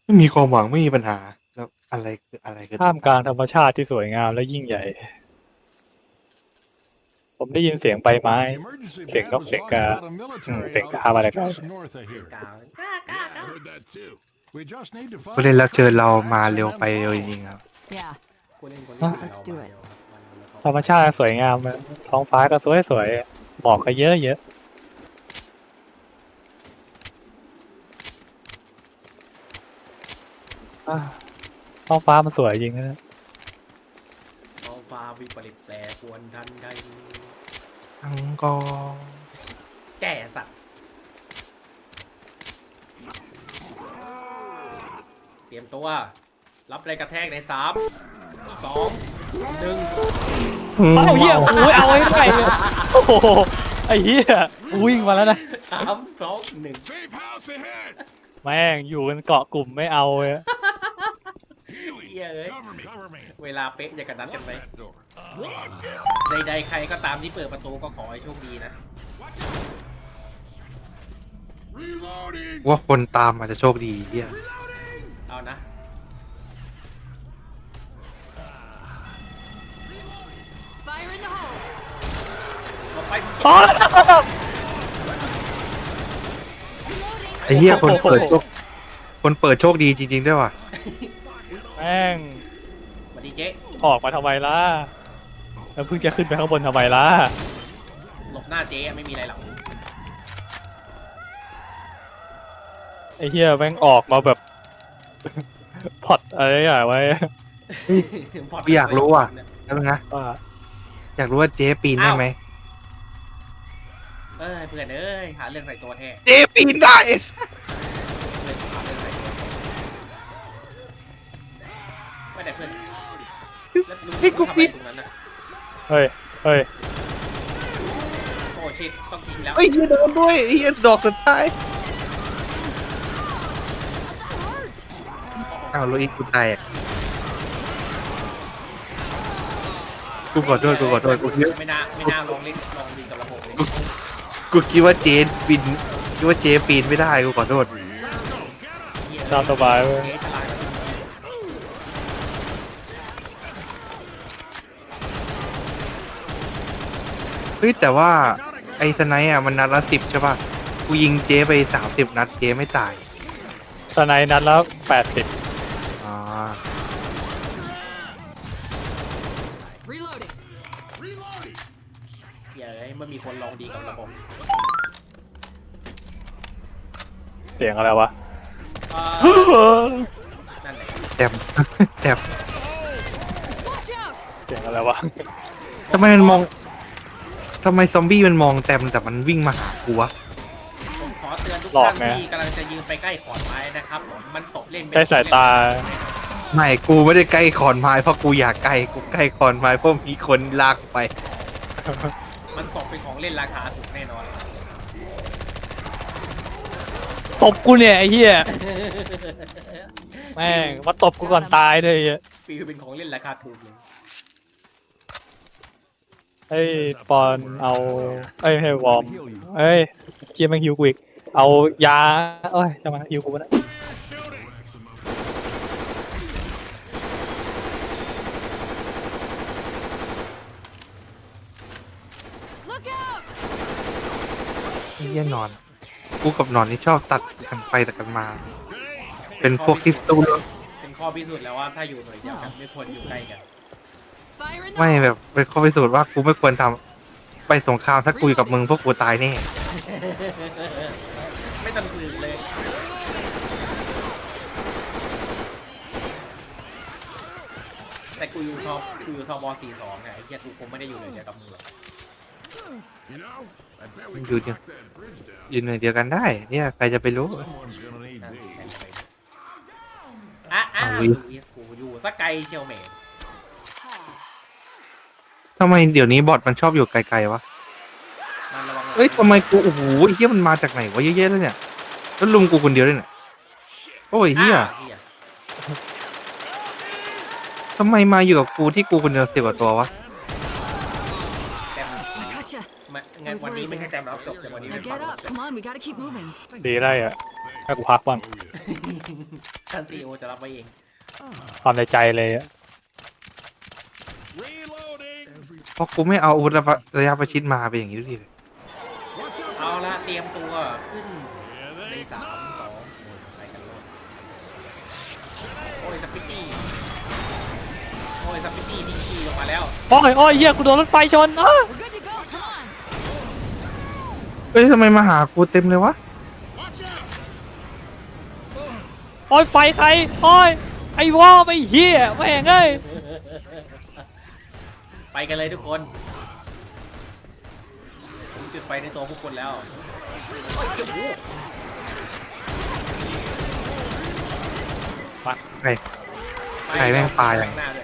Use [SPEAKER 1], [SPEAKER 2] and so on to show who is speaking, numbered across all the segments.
[SPEAKER 1] ไม่มีความหวังไม่มีปัญหาแล้วอะไรคือ
[SPEAKER 2] ท่ามกลางธรรมชาติที่สวยงามและยิ่งใหญ่ ผมได้ยินเสียงใบไม้ เสียงนกเสียงกาเสียงกามาจากไหน
[SPEAKER 3] กลาง
[SPEAKER 1] ผู้เล่นรับเชิญเรามาเร็วไปเร็วจริงๆครับ
[SPEAKER 4] Yeah,
[SPEAKER 3] ผู้เล่นคน
[SPEAKER 4] let's do it.
[SPEAKER 2] ธรรมชาติสวยงามนะท้องฟ้าก็สวยๆหมอกก็เยอะท้องฟ้ามันสวยจริงนะ
[SPEAKER 3] ท้องฟ้าวิปริตแปรปรวนทันใด
[SPEAKER 1] อังกอร์
[SPEAKER 3] แก่สัตว์เตรียมตัว รับแรงกระแทกใน3 2 1
[SPEAKER 2] เอาเหี้ยโอ้ยเอาไว้ทำไมเนี่ยโอ้โหไอ้เหี้ยวิ่งมาแล้วนะ
[SPEAKER 3] 3 2 1
[SPEAKER 2] แม่งอยู่กันเกาะกลุ่มไม่เอาเลย
[SPEAKER 3] เหี้ยเอ้ยเวลาเป๊ะอย่ากันนัดกันไปใดๆใครก็ตามที่เปิดประตูก็ขอให้โชคดีนะ
[SPEAKER 1] ว่าคนตามอาจจะโชคดีเฮีย
[SPEAKER 3] เอานะ
[SPEAKER 4] Fire in the hole.
[SPEAKER 3] เราไป
[SPEAKER 2] อ๋อ
[SPEAKER 1] ไอ้เฮียคนเปิดโชคดีจริงๆด้วยว่ะ
[SPEAKER 2] แม่ง
[SPEAKER 3] สวัสดีเจ๊
[SPEAKER 2] ออกมาทำไมล่ะแล้วเพิ่งจะขึ้นไปข้างบนทำไมล่ะ
[SPEAKER 3] หลบหน้าเจ๊ไม่มีอะไรหรอก
[SPEAKER 2] ไอ้เหี้ยแม่งออกมาแบบ พอดอะไรอย่างไว้
[SPEAKER 1] กูอยากรู้อ่ะแล้วนะ
[SPEAKER 2] ว่า
[SPEAKER 1] อยากรู้ว่าเจ๊ปีนได้ไหม
[SPEAKER 3] เอ้ยเพื่อนเอ้ยหาเรื่องใส่ตัวแท้
[SPEAKER 1] เจ๊ปีนได้
[SPEAKER 3] เพื่อนหาเรื่องใส่ตัวไม่ได้เพื่อนแล้วลุง
[SPEAKER 1] ให้กู
[SPEAKER 3] ทำ
[SPEAKER 1] ปี
[SPEAKER 3] อะไร
[SPEAKER 1] น
[SPEAKER 3] ตรงนั้นน่ะ
[SPEAKER 2] เฮ้ย
[SPEAKER 3] โอ้ชิตต้องทิ้งแล้ว
[SPEAKER 1] ไอ้เฮียโดนด้วยไอ้เฮียดอกสุดท้ายอ้าวโลอีกกูตายอ่ะกูขอโทษกูคิด
[SPEAKER 3] ไม่น่าลองเล่นลองดีกับระบบเลย
[SPEAKER 1] กูคิดว่าเจ๊ปีนคิดว่าเจ๊ปีนไม่ได้กูขอโทษ
[SPEAKER 2] ตามสบายเว้ย
[SPEAKER 3] เจ๊ฉลาด
[SPEAKER 1] เฮ้ยแต่ว่าไอ้สไนป์อ่ะมันนัดละ10ใช่ป่ะกูยิงเจ๊ไป30นัดเจ๊ไม่ตาย
[SPEAKER 2] สไนด์นัดแล้ว80
[SPEAKER 1] อ๋อ
[SPEAKER 4] Reloading.
[SPEAKER 3] เหี้ยเอ้ยเมื่อมีคนลองดีกับระบบ
[SPEAKER 2] เสียงอะไรวะ
[SPEAKER 3] นั่นแหละ
[SPEAKER 1] แต้ม แต้ม
[SPEAKER 4] Watch out.
[SPEAKER 2] เสียงอะไรวะ
[SPEAKER 1] ทำไมมันมองทำไมซอมบี้มันมองแต้มแต่มันวิ่งมาหากูวะ
[SPEAKER 3] ผมขอเตือนทุก
[SPEAKER 2] หลอก
[SPEAKER 3] ท่าน
[SPEAKER 2] ไง
[SPEAKER 3] ที่กำลังจะยืนไปใกล้ขอนไม้นะครับมันตกเล่นไม่
[SPEAKER 2] ใช้สายตา
[SPEAKER 1] ไม่กูไม่ได้ใกล้ขอนไม้เพราะกูอยากใกล้กูใกล้ขอนไม้เพราะมีคนลากไป
[SPEAKER 3] มันตกเป็นของเล่นราคาถูกแน่นอน
[SPEAKER 2] ตบกูเนี่ยไอ้เหี้ยแม่งมาตบกูก่อนตายเลยไอ้เหี้ย
[SPEAKER 3] ฟิลเป็นของเล่นราคาถูกเลย
[SPEAKER 2] เฮ้ยปอนเอาเอ้ยให้วอร์มเอ้ยเกียร์แม่งฮิวกูอีกเอายาเอ้ยจะมาฮิวกูนะ
[SPEAKER 4] Look out.
[SPEAKER 1] ไอ้เหี้ยนอน กูกับนอนนี่ชอบตัดกันไปตัดกันมา เป็นพวกที่สู้
[SPEAKER 3] เป็นข้อพิสูจน์แล้วว่าถ้าอยู่หน่วยเดียวกันไม่ควรอยู่ใกล้กัน
[SPEAKER 4] Fire in the
[SPEAKER 1] ไม่
[SPEAKER 4] hole.
[SPEAKER 1] แบบเป็นข้อพิสูจน์ว่ากูไม่ควรทำไปสงครามถ้ากูอยู่กับมึงพวกกูตายแน่
[SPEAKER 3] ไม่ต้องสืบเลยแต่กูอยู่ทบ42ไงไอ้เหี้ยกูคงไม่ได้อยู่หน่วยเดียวกับมึงหรอก
[SPEAKER 1] อยู่เนี่ยอยู่หน่วยเดียวกันได้ เนี่ยใครจะไปรู้
[SPEAKER 3] อ่ะ
[SPEAKER 1] เอา
[SPEAKER 3] ลู
[SPEAKER 1] อีก
[SPEAKER 3] อิสกูอยู่สักไกลเชียวแหม่
[SPEAKER 1] ทำไมเดี๋ยวนี้บอทมันชอบอยู่ไกลๆวะ
[SPEAKER 3] มันระวัง
[SPEAKER 1] เอ้ยทำไมกูโอ้โหไอ้เหี้ยมันมาจากไหนวะเยอะๆแล้วเนี่ยแล้วลุมกูคนเดียวด้วยเนี่ยโอ้ยเหี้ย
[SPEAKER 3] เหี้ย
[SPEAKER 1] ทำไมมาอยู่กับกูที่กูคนเดียว10กว่าตัววะ
[SPEAKER 3] แต้ม
[SPEAKER 4] I gotcha.
[SPEAKER 3] งั้นวันนี้ไม่ใช่แต้มรับจบแต่วันนี้
[SPEAKER 4] Now
[SPEAKER 3] เป็นฝั่
[SPEAKER 4] get
[SPEAKER 3] ง
[SPEAKER 4] up. Come on, we gotta keep moving.
[SPEAKER 2] ดีได้อะให้กูพักบ้าง
[SPEAKER 3] ท่านซีโอจะรับไว้เอง
[SPEAKER 2] ความในใจเลยอะ
[SPEAKER 1] เพราะกูไม่เอาอาวุธระยะประชิดมาเป็นอย่างนี้ทุกทีเลย
[SPEAKER 3] เอาละเตรียมตัวขึ้นใน3 2ไปกันเลยโอ้ยสปิตตี้ทิ้งขี้ลงมาแล้ว
[SPEAKER 2] โอ้ยเฮียกูโดนรถไฟชนอ้า
[SPEAKER 4] We're good to go. Come on.
[SPEAKER 1] เฮ้ยทำไมมาหากูเต็มเลยวะ
[SPEAKER 2] โอ้ยไฟใครโอ้ยไอ้วอไม่เฮียแม่งเอ้ย
[SPEAKER 3] ไปกันเลยทุกคนผมจุดไฟในตัวพวกคนแล้วโอ้ยโอ้โห
[SPEAKER 1] ใครแม่งปลาอย่าง
[SPEAKER 3] หน้าด้วย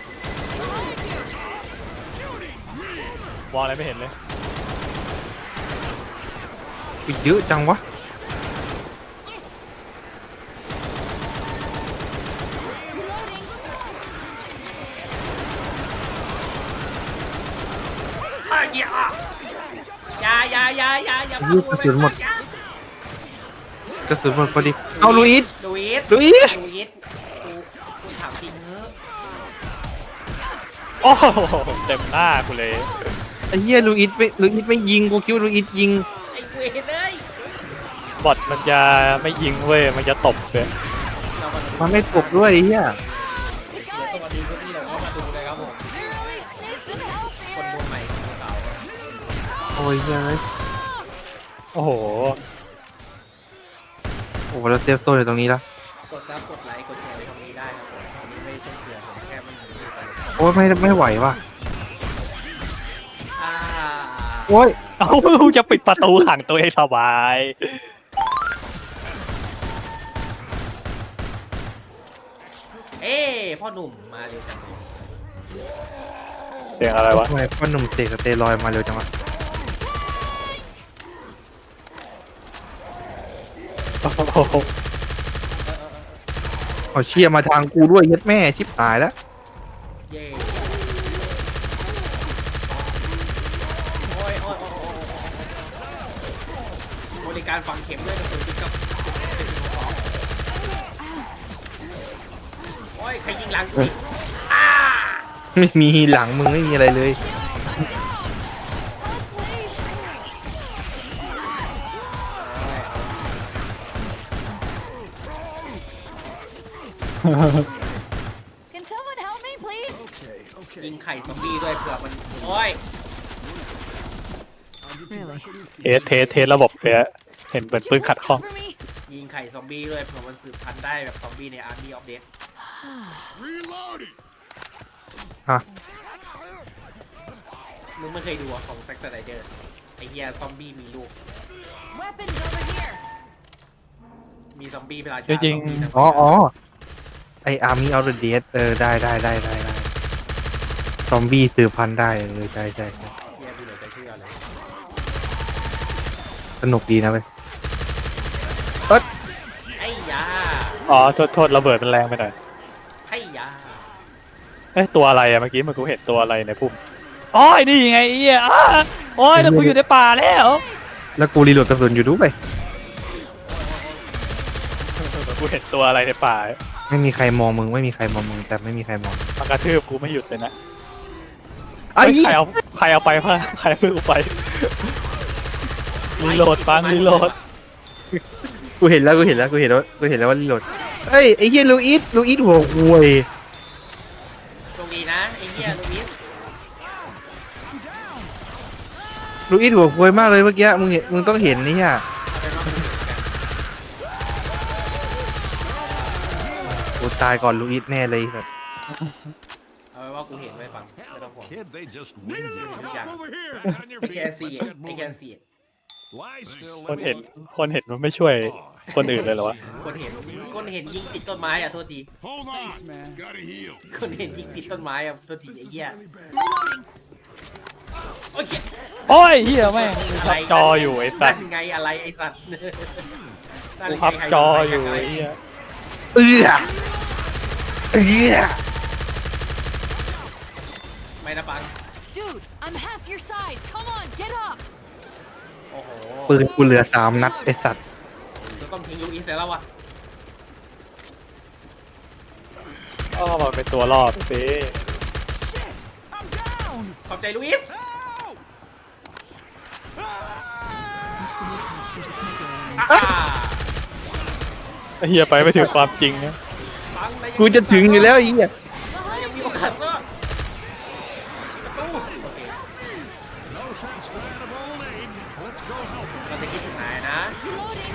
[SPEAKER 2] วออะไรไม่เห็นเลย
[SPEAKER 1] กูเยอะจังวะ
[SPEAKER 4] Reloading.
[SPEAKER 3] อ้าวอย่าอย่า
[SPEAKER 1] ยืดกระสุนหมดกระสุนหมดพอดีเอาลุยส์
[SPEAKER 3] ลูอิส
[SPEAKER 1] ลุยส์
[SPEAKER 3] กูถามจริงเนอะ
[SPEAKER 2] โอ้โหเต็มหน้ากูเลย
[SPEAKER 1] ไอ้เหี้ยลุยส์ไม่ยิงกูคิดว่าลุยส์ยิง
[SPEAKER 3] ไอ้เวรเลย
[SPEAKER 2] บอทมันจะไม่ยิงเว้ยมันจะตบเลย
[SPEAKER 3] เรามาดู
[SPEAKER 1] มันไม่ตกด้วยไอ้เหี้ย
[SPEAKER 3] สวัสดีทุกที่เราเข้ามาดูเลยครับผม
[SPEAKER 4] We really need some help
[SPEAKER 3] คน
[SPEAKER 4] here.
[SPEAKER 3] ดูใหม่คนเก่า
[SPEAKER 1] โอ้ยเฮ้ย
[SPEAKER 2] โอ้โห
[SPEAKER 1] โอ้โหเราเซฟโซนอยู่ตรงนี้แล้ว
[SPEAKER 3] กดซับกดไลค์กดแชร์ตรงนี้ได้ครับผมอันนี้ไม่ใช่เพื่อนผมแค่มันอยู่ด้วยกัน
[SPEAKER 1] โอ้ยไม่ไหวว่ะ
[SPEAKER 3] อ่า
[SPEAKER 1] โอ้ย
[SPEAKER 2] เอาจะปิดประตูขังตัวเองสบาย
[SPEAKER 3] เอ้พ่อหนุ่มมาเร็วจังเลย
[SPEAKER 2] เสียงอะไรวะ
[SPEAKER 1] ทำไมพ่อหนุ่มเสกสเตียรอยด์มาเร็วจังวะ
[SPEAKER 2] โอ้โห
[SPEAKER 1] เอาเชียร์มาทางกูด้วยเย็ดแม่ชิบหายแล้ว
[SPEAKER 3] เย่โอ้ยบริการฝังเข็มด้วยกระสุนจุดกับโอ้ยใครยิงหลังกูอีกอ้า
[SPEAKER 1] ไม่มีหลังมึงไม่มีอะไรเลย
[SPEAKER 4] Help, please. Can someone help me, please?
[SPEAKER 3] ยิงไข่ซอมบี้ด้วยเผื่อมันโอ้ย
[SPEAKER 4] Really?
[SPEAKER 2] เทสระบบเลยอะเห็นเหมือน
[SPEAKER 4] Would
[SPEAKER 2] ปืน
[SPEAKER 4] you
[SPEAKER 2] ขัด
[SPEAKER 4] please
[SPEAKER 2] ข้อง
[SPEAKER 4] cover me?
[SPEAKER 3] ยิงไข่ซอมบี้ด้วยเผื่อมันสืบพันธุ์ได้แบบซอมบี้ใน Army of Death
[SPEAKER 1] ฮะ
[SPEAKER 3] มึงไม่เคยดูอะของแซ็กซ์ไนเดอร์ไอเฮียซอมบี้มีลูก
[SPEAKER 4] Weapons over here.
[SPEAKER 3] มีซอมบี้เป็นราชา
[SPEAKER 2] จริงๆ
[SPEAKER 3] ซอมบี้ทั้
[SPEAKER 1] อ๋อไออาร์มี่เอาเดสได้ซอมบี้สืบพันธุ์ได้ใช่
[SPEAKER 3] เฮียกูเหลือจะเชื่อเลย
[SPEAKER 1] สนุกดีนะเว้ย
[SPEAKER 3] ไอ้ยา
[SPEAKER 2] อ๋อโทษระเบิดมันแรงไปหน่อย
[SPEAKER 3] ไอ้ยา
[SPEAKER 2] เอ้ยตัวอะไรอะเมื่อกี้มันกูเห็นตัวอะไรในพุ่มอ๋อไอ้นี่ไงไอ้เหี้ยอ้าโอ้ยแล้วกูอยู่ในป่าแล้ว
[SPEAKER 1] แล้วกูรีโหลดกระสุนอยู่ด้วย
[SPEAKER 2] กูเห็นตัวอะไรในป่า
[SPEAKER 1] ไม่มีใครมองมึงแต่ไม่มีใครมอง
[SPEAKER 2] มันกระทืบกูไม่หยุดเลยนะ
[SPEAKER 1] ไอ้
[SPEAKER 2] เฮ้ยใครเอาไปพ่ะใครเอามือกูไปรีโหลดปังรีโหลด
[SPEAKER 1] กูเห็นแล้วว่ารีโหลดเอ้ยไอ้เหี้ยลูอิสหัวควย
[SPEAKER 3] โชคดีนะไอ้เฮียลูอิส
[SPEAKER 1] ลูอิสหัวควยมากเลยเมื่อกี้มึงต้องเห็นนี่อ่ะ
[SPEAKER 3] เอาเป็นว่ากูเห็นกัน
[SPEAKER 1] กูตายก่อนลูอิสแน่เลยแบบ
[SPEAKER 3] เอาเป็นว่ากูเห็นไว้ฟังไม่ต้องห่วง
[SPEAKER 5] Kid, they just winged you.
[SPEAKER 3] Yeah.
[SPEAKER 5] Over here. On your
[SPEAKER 3] ไอ้แก
[SPEAKER 5] feet.
[SPEAKER 3] ซี
[SPEAKER 5] Let's
[SPEAKER 3] ไอ้
[SPEAKER 5] get
[SPEAKER 3] แก
[SPEAKER 5] moving.
[SPEAKER 3] ซี
[SPEAKER 5] Lie still.
[SPEAKER 2] คน
[SPEAKER 5] Let
[SPEAKER 2] เห็น
[SPEAKER 5] me...
[SPEAKER 2] คนเห็นมันไม่ช่วยคนอื่นเลยเหรอวะ
[SPEAKER 3] คนเห็นยิงติดต้นไม้อ่ะโทษที
[SPEAKER 5] Hold on. Gotta heal.
[SPEAKER 3] คนเห็นยิงติดต้นไม้อ่ะโทษทีไอ้เหี้ย
[SPEAKER 4] Reloading.
[SPEAKER 3] โอ้ย
[SPEAKER 2] โอ้ยเฮียแม่งกูพับจออยู่ไอ้สัตว์
[SPEAKER 3] นั่นไงอะไรไอ้สัตว์นั่น
[SPEAKER 2] กู
[SPEAKER 3] ไง
[SPEAKER 2] พับจออยู่
[SPEAKER 3] ใคร
[SPEAKER 2] ไอ้เฮีย
[SPEAKER 1] เอื้อ
[SPEAKER 3] ไม่นะปัง
[SPEAKER 4] Dude, I'm half your size. Come on, get up.
[SPEAKER 3] โอ้โห
[SPEAKER 1] ปืนกูเหลือ3 นัดไอ้สัตว์
[SPEAKER 3] จะต้องทิ้งลูอิสแล้ววะ
[SPEAKER 2] อ๋อมันเป็นตัวล่อสิ
[SPEAKER 3] ขอบใจลุยส์ อ่า
[SPEAKER 2] ไอ้เฮียไปไม่ถึงความจริงนะ
[SPEAKER 3] ฟังนาย
[SPEAKER 1] กูจะถึงอยู่แล้วไอ้เหี้ย
[SPEAKER 3] นายยังมีโอกาสก็ประตูโอเค
[SPEAKER 5] No sense for that of old Abe. Let's go help him.
[SPEAKER 3] เราจะคิดถึงนายนะ
[SPEAKER 4] Reloading.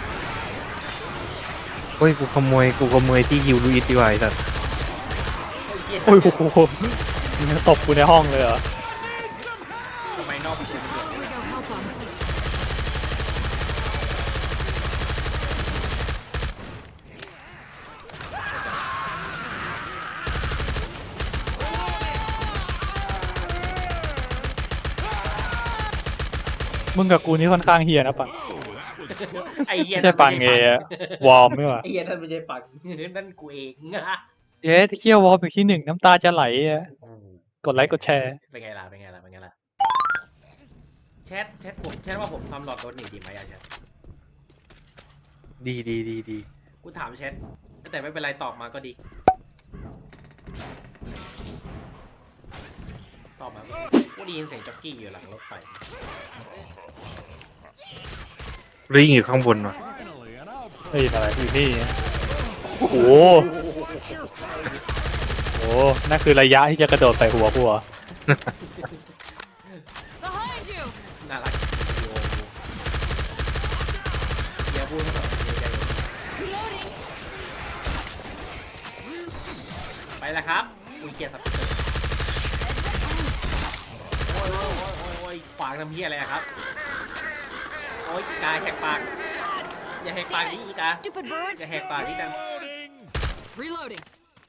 [SPEAKER 1] โอ้ยกูขโมยที่ฮิวลูอิสดีกว่าไอ้สัส
[SPEAKER 2] โอ้ยโอ้โหมึงตบกูในห้องเลยเหรอ
[SPEAKER 3] ทำไมนอกประตู
[SPEAKER 4] We go help them.
[SPEAKER 2] มึงกับกูนี่ค่อนข้างเฮียนะปัง
[SPEAKER 3] ไอ้เหี้ย
[SPEAKER 2] ไม่ใช่ปังเอวอร์มไม่หว่า
[SPEAKER 3] ไอ้เหี้ยนั่นไม่ใช่ปังนั่นกูเองอะ
[SPEAKER 2] เย้ที่เคี่ยววอร์มอยู่ที่หนึ่งน้ำตาจะไหลอะกดไลค์กดแชร์
[SPEAKER 3] เป็นไงล่ะเป็นไงล่ะเป็นไงล่ะแชทผมแชทว่าผมทำหลอดรถหนีดีไหมอะแชท
[SPEAKER 1] ดี
[SPEAKER 3] กูถามแชทแต่ไม่เป็นไรตอบมาก็ดีตอบมากูได้ยินเสียงจ็อกกี้อยู่หลังรถไฟ
[SPEAKER 1] ริงอยู่ข้างบนว่ะ
[SPEAKER 5] Finally, and I'll
[SPEAKER 2] เฮ้ยอะไรอยู่นี่โอ้โหโอ้นั่นคือระยะที่จะกระโดดใส่หัวกูเหรอ
[SPEAKER 4] Behind you.
[SPEAKER 3] น่ารักวิดีโอกูอย่าพูดมาแบบนี้ใจ
[SPEAKER 4] Reloading.
[SPEAKER 3] ไปแล้วครับอุ้ยเกียร์สับเตอร์โอ้ยขวางทำเพี้ยอะไรอะครับโอ้ยกายแหกปากอย่าแหกปาก
[SPEAKER 4] Damn
[SPEAKER 3] นี้อี
[SPEAKER 4] it,
[SPEAKER 3] กา
[SPEAKER 4] stupid
[SPEAKER 3] อย่า
[SPEAKER 4] birds.
[SPEAKER 3] แหกปากนี้ดัง
[SPEAKER 5] loading.
[SPEAKER 4] Reloading.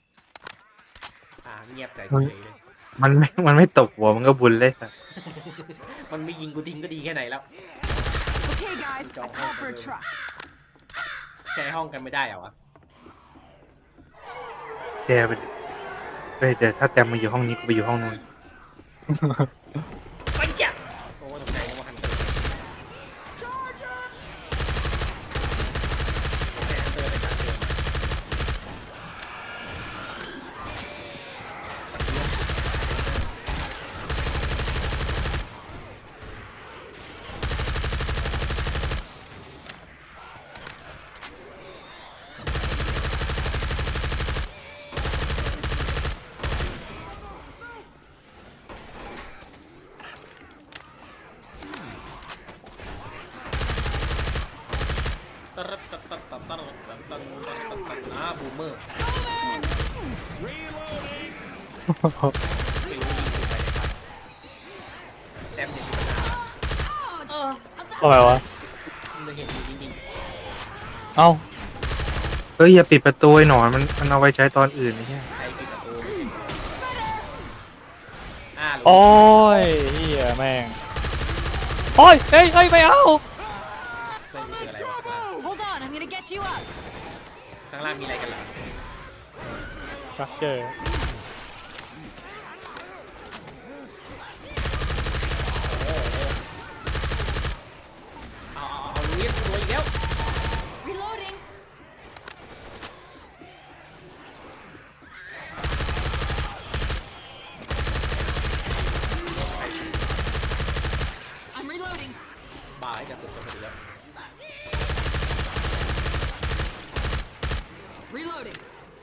[SPEAKER 3] เงียบใจ
[SPEAKER 1] เฮ้ย
[SPEAKER 3] เฉยเลย
[SPEAKER 1] มันไม่ตกหัวมันก็บุญเลยสัส
[SPEAKER 3] มันไม่ยิงกูทิ้งก็ดีแค่ไหนแล้ว
[SPEAKER 4] Okay, guys.
[SPEAKER 3] I called for a truck. ใช้ห้องกันไม่ได้เหรอวะ
[SPEAKER 1] แกไปดิเฮ้ยแต่ถ้าแตมมาอยู่ห้องนี้กูไปอยู่ห้องนู้น
[SPEAKER 3] ไปจ้ะโอ้ตกใจนึกว่าฮันเตอร์โอเคฮันเตอร์ไปจัดเดิม บูมเมอร์ไม่รู้ยิงถูกไปในฝันแต้มเนี่ยมีปัญหาเออ
[SPEAKER 2] ทำไมวะ
[SPEAKER 3] มึงจะเห็นอยู่จริง
[SPEAKER 2] เอ้า
[SPEAKER 1] เฮ้ยอย่าปิดประตูไอ้หนอนมันเอาไว้ใช้ตอนอื่นไอ้เหี้ย
[SPEAKER 3] ๆใครปิดประตูรู้
[SPEAKER 2] โอ้ยเฮียแม่งโอ้ยเฮ้ยไม่เอา
[SPEAKER 3] ไม่รู้คืออะไรวะ
[SPEAKER 4] Hold on. I'm gonna get you up.
[SPEAKER 3] ข้างล่างมีอะไรกันเหรอ
[SPEAKER 2] สตรัคเจอร์
[SPEAKER 3] เอาลุยส์ตัวอีกแล้ว
[SPEAKER 4] Reloading. I'm reloading.
[SPEAKER 3] บ้าให้จะสุดกันไปแล้ว
[SPEAKER 4] Reloading.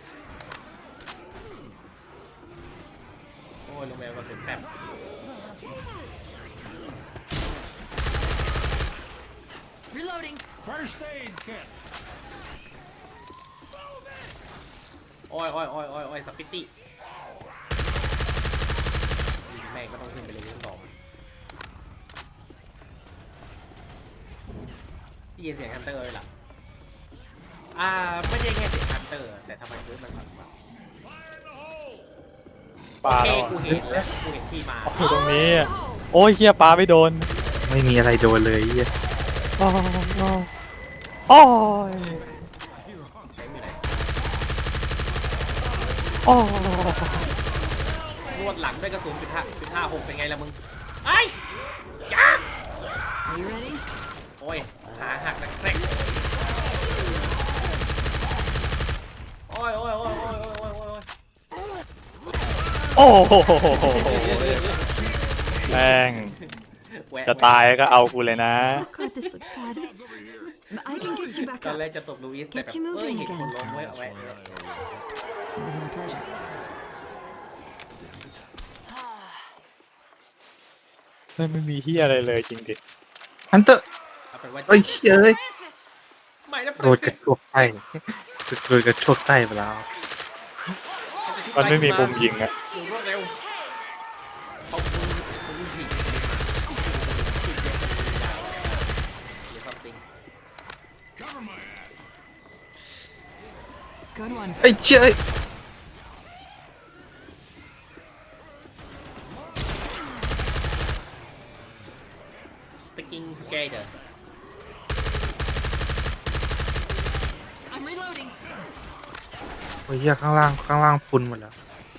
[SPEAKER 3] โอ้ยลงแมวก็เสร็จแป๊บ
[SPEAKER 4] Reloading.
[SPEAKER 5] First aid kit.
[SPEAKER 3] โอ้ยสปิตตี้ยิงแม่งก็ต้องขึ้นไปเลยทั้งสองที่ยินเสียงฮันเตอร์เลยล่ะไม่ใช่แค่เสียงฮันเตอร์แต่ทำไมพื้นมันสั่นวะ
[SPEAKER 2] ปลา
[SPEAKER 3] โอเค
[SPEAKER 2] แล้ว
[SPEAKER 3] กูเห็นแล้วกูเห็นที่มา
[SPEAKER 2] อยู่ตรงนี้อะโอ้ยเฮียปลาไม่โดน
[SPEAKER 1] ไม่มีอะไรโดนเลยไอ้เหี้ย
[SPEAKER 2] โอ้ย
[SPEAKER 3] ใช้อยู่ไหน
[SPEAKER 2] โอ้ย
[SPEAKER 3] รวดหลังด้วยกระสุน.56เป็นไงล่ะมึงไอ้ยา
[SPEAKER 4] Are you ready?
[SPEAKER 3] โอ้ยขาหักนะแกรกโอ้ย
[SPEAKER 2] โอ้โหแม่ง
[SPEAKER 3] แว
[SPEAKER 2] จะตายก็เอากูเลยนะ
[SPEAKER 4] Oh god, this looks bad. But I can get you back
[SPEAKER 3] ตอน
[SPEAKER 4] up.
[SPEAKER 3] แรกจะตบลูอิสแต่แบบ
[SPEAKER 4] Get you moving
[SPEAKER 3] เห็นคน
[SPEAKER 4] again.
[SPEAKER 3] ล้มไว้เอาไว้
[SPEAKER 4] It was my pleasure.
[SPEAKER 2] ไม่มีที่อะไรเลยจริงดิ
[SPEAKER 1] ฮันเตอร์
[SPEAKER 3] เอาเป็นว่า
[SPEAKER 1] เอ้ยเอ้ย
[SPEAKER 3] ไม่นะ
[SPEAKER 1] โดนกระโชกไส้โดนกระโชกไส้ไปแล้ว
[SPEAKER 2] มันไม่มีมุมยิงอะ
[SPEAKER 3] ดูรวดเร็วเขาคุณผิดหรือ something
[SPEAKER 5] Cover my ass.
[SPEAKER 4] Good one.
[SPEAKER 1] ไอ้เจ้ย
[SPEAKER 3] sticking together
[SPEAKER 4] I'm reloading.
[SPEAKER 1] โอ้ยเหี้ยข้างล่างฟุนหมดแล้ว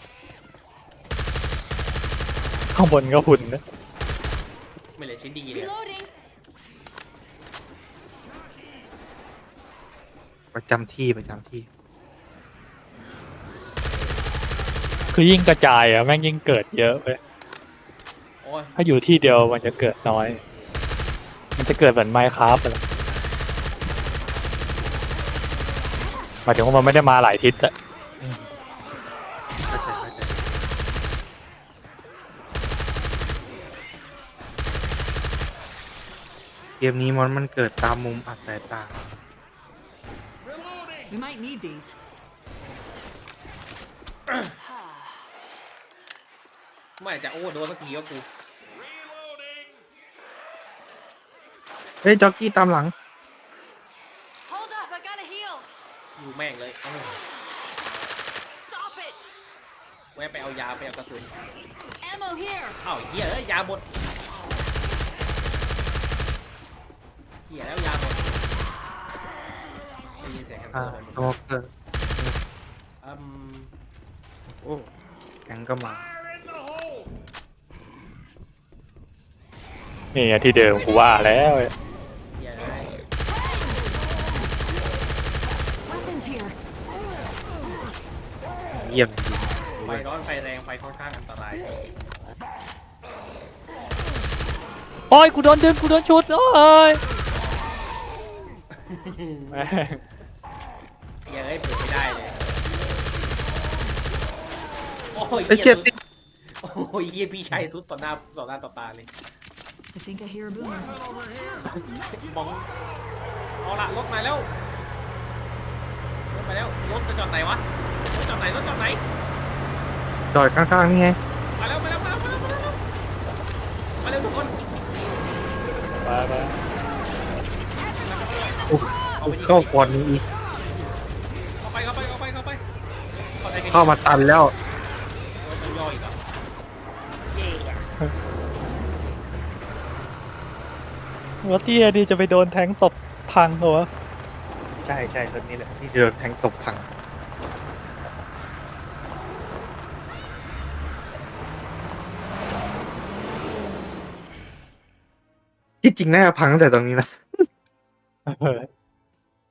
[SPEAKER 2] ข้างบนก็หุ่นนะ
[SPEAKER 3] ไม่เหลือชิ้นดีเลย
[SPEAKER 4] Reloading.
[SPEAKER 1] ประจำที่
[SPEAKER 2] คือยิ่งกระจายอะแม่งยิ่งเกิดเยอะเว้ย
[SPEAKER 3] โอ้ย
[SPEAKER 2] ถ้าอยู่ที่เดียวมันจะเกิดน้อย มันจะเกิดเหมือนไมค์คราฟเลยหมายถึงว่ามันไม่ได้มาหลายทิศอะ
[SPEAKER 1] เข้าใจเกมนี้มันเกิดตามมุมอัดสายตา
[SPEAKER 4] We might need these.
[SPEAKER 3] ไม่จะโอ้โดนเมื่อกี้ก็กู
[SPEAKER 1] เฮ้ยจ็อกกี้ตามหลัง
[SPEAKER 4] Hold up, I gotta heal.
[SPEAKER 3] อยู่แม่งเลยเอ้า
[SPEAKER 4] Stop it.
[SPEAKER 3] แวะไปเอายาไปเอากระสุน
[SPEAKER 4] Ammo here.
[SPEAKER 3] เอ้าเหี้ยเอ้ยยาหมดเหี้ยแล้วยาหมดได้ยินเสียงแฮมส
[SPEAKER 1] อ่า
[SPEAKER 3] เตอร์เลย
[SPEAKER 1] สโมเกอร์
[SPEAKER 3] อืม
[SPEAKER 1] โอ้แข็งก็มา
[SPEAKER 2] นี่ไงที่เดิมกูว่าแล้ว
[SPEAKER 3] เหี้ยเอ้ย
[SPEAKER 4] Weapons here.
[SPEAKER 1] เยี่ยมจริง
[SPEAKER 3] ไฟร้อนไฟแรงไฟค่อนข้างอันตราย
[SPEAKER 2] โอ้ยกูโดนดึงกูโดนชุดโอ้ยแม่ง
[SPEAKER 3] เหี้ยเอ้ยเปิดไม่ได้เลยโอ้ย
[SPEAKER 1] ไอ้
[SPEAKER 3] เหี้
[SPEAKER 1] เชี่
[SPEAKER 3] ย
[SPEAKER 1] ย
[SPEAKER 3] สุดโอ้ยเหี้ยพี่ชายสุดต่อหน้าต่อตาเลย
[SPEAKER 4] I think I hear a boomer.
[SPEAKER 3] มองเอาละรถมาแล้วรถมาแล้วรถจะจอดไหนวะรถจอดไหน
[SPEAKER 1] จอดข้างๆนี่ไง
[SPEAKER 3] มาแล้วทุกคน
[SPEAKER 2] ไป
[SPEAKER 1] โอ้เข้าก่อนนี้อีก
[SPEAKER 3] เข้าไป
[SPEAKER 1] เข้ามาตันแล้ว
[SPEAKER 3] มันย่อยอีกอ่ะเย่
[SPEAKER 2] รถเตี้ยดีจะไปโดนแทงตบพังเหรอวะ
[SPEAKER 1] ใช่รถนี้แหละที่เดินแทงตกพังที่จริงน่าจะพังตั้งแต่ตรงนี้นะ
[SPEAKER 2] เออ